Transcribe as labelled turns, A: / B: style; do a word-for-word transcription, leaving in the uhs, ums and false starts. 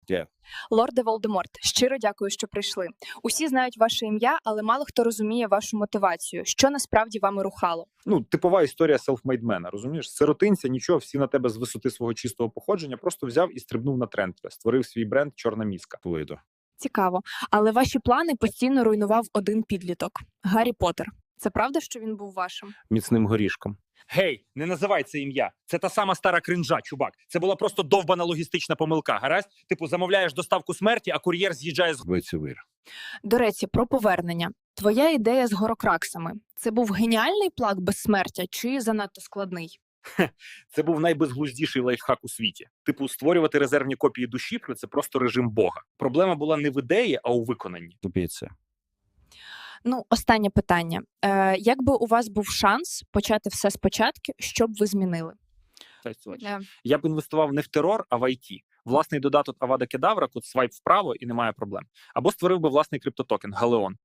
A: Yeah.
B: Лорде Волдеморт, щиро дякую, що прийшли. Усі знають ваше ім'я, але мало хто розуміє вашу мотивацію. Що насправді вами рухало?
A: Ну, типова історія селфмейдмена, розумієш? Сиротинця, нічого, всі на тебе з висоти свого чистого походження, просто взяв і стрибнув на тренд, створив свій бренд «Чорна мізка». Плойдо.
B: Цікаво. Але ваші плани постійно руйнував один підліток – Гаррі Поттер. Це правда, що він був вашим?
A: Міцним горішком.
C: Гей, не називай це ім'я. Це та сама стара кринжа, чувак. Це була просто довбана логістична помилка, гаразд? Типу, замовляєш доставку смерті, а кур'єр з'їжджає з...
A: Вицевир.
B: До речі, про повернення. Твоя ідея з горокраксами – це був геніальний план безсмертя чи занадто складний?
C: Це був найбезглуздіший лайфхак у світі. Типу, створювати резервні копії душі – це просто режим Бога. Проблема була не в ідеї, а у виконанні.
A: Тупіться.
B: Ну, останнє питання. Е, як би у вас був шанс почати все спочатку, що б ви змінили?
C: Е. Я б інвестував не в терор, а в ай ті. Власний додаток Авада Кедавра, код свайп вправо і немає проблем. Або створив би власний криптотокен – Галеон.